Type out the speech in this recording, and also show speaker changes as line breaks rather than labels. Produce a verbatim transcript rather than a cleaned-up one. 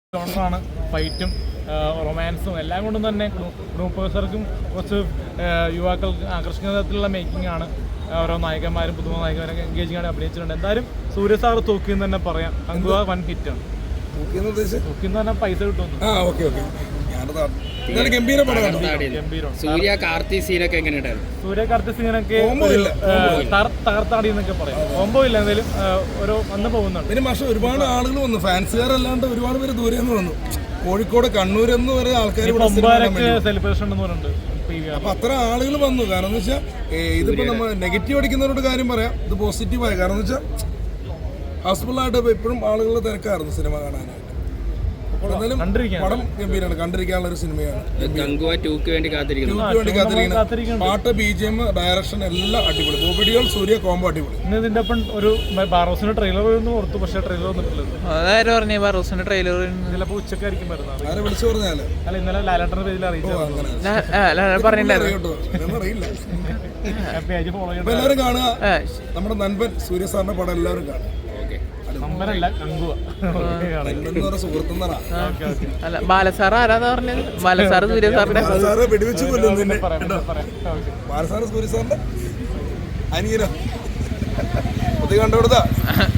ജോണറാണ്. ഫൈറ്റും റൊമാൻസും എല്ലാം കൊണ്ടും തന്നെ ഗ്രൂപ്പേഴ്സർക്കും കുറച്ച് യുവാക്കൾക്ക് ആകർഷിക്കുന്ന തരത്തിലുള്ള മേക്കിംഗ് ആണ്. ഓരോ നായകന്മാരും പുതുമ നായകന്മാരൊക്കെ എൻഗേജിംഗ് ആണ് അഭിനയിച്ചിട്ടുണ്ട്. എന്തായാലും സൂര്യ സാർ തൂക്കിയെന്ന് തന്നെ പറയാം. അങ്കുവ വൻ ഹിറ്റാണ്. തൂക്കിന്ന് പറഞ്ഞാൽ പൈസ കിട്ടുമെന്ന്.
സൂര്യ കാർത്തി സീനൊക്കെ എങ്ങനെയുണ്ടായിരുന്നു?
സൂര്യ കാർത്തി സീനൊക്കെ തകർത്താടി എന്നൊക്കെ പറയാം. കോമ്പോ ഇല്ല, എന്തായാലും ഓരോ വന്ന് പോകുന്നുണ്ട്.
പിന്നെ പക്ഷേ ഒരുപാട് ആളുകൾ വന്നു, ഫാൻസുകാരല്ലാണ്ട് ഒരുപാട് പേര് ദൂരെ നിന്ന് വന്നു. കോഴിക്കോട് കണ്ണൂർ എന്ന് വരെ ആൾക്കാർ
സെലിബ്രേഷൻ ഉണ്ടെന്ന് പറഞ്ഞിട്ടുണ്ട്.
അപ്പൊ അത്ര ആളുകൾ വന്നു. കാരണം എന്ന് വെച്ചാൽ ഇതിപ്പോ നമ്മൾ നെഗറ്റീവ് അടിക്കുന്നവരോട് കാര്യം പറയാം, ഇത് പോസിറ്റീവായ കാരണം എന്ന് വെച്ചാൽ ഹൗസ്ഫുള്ളായിട്ട് എപ്പോഴും ആളുകൾ തിരക്കായിരുന്നു സിനിമ കാണാനായിട്ട്. പടം ഗംഭീരമാണ്, കണ്ടിരിക്കാനുള്ള ഒരു സിനിമയാണ്.
വേണ്ടി
കാത്തിരിക്കുന്നത്. പാട്ട്, ബി ജി എം, ഡയറക്ഷൻ എല്ലാം അടിപൊളി. ബോബിഡികൾ സൂര്യ കോംബോ അടിപൊളി.
ഇന്ന് ഇതിന്റെ ഒപ്പം ഒരു ബാറോസിന്റെ ട്രെയിലർ ഓർത്തു, പക്ഷേ ട്രെയിലർ വന്നിട്ടില്ല.
അതാരും പറഞ്ഞു ബാറോസിന്റെ ട്രെയിലർ
ചിലപ്പോൾ ഉച്ചക്കായിരിക്കും വരുന്നത്.
ആരെ വിളിച്ചു പറഞ്ഞാല്
അല്ല, ഇന്നലെ ലാലേട്ടന്റെ പേജിൽ അറിയിച്ചു.
പറഞ്ഞിട്ടുണ്ടായിരുന്നു.
എല്ലാവരും കാണുക. നമ്മുടെ നൻപൻ സൂര്യ സാറിന്റെ പടം എല്ലാവരും കാണുക.
അല്ല, ബാലസാർ ആരാന്ന് പറഞ്ഞത്? ബാലസാർ സൂര്യ സാറിന്റെ
വെടിവെച്ച് കൊല്ലുന്നു. ബാലസാറ് സൂര്യ സാറിന്റെ അനിയനോ? ഇത് കണ്ടുകൊടുത്താ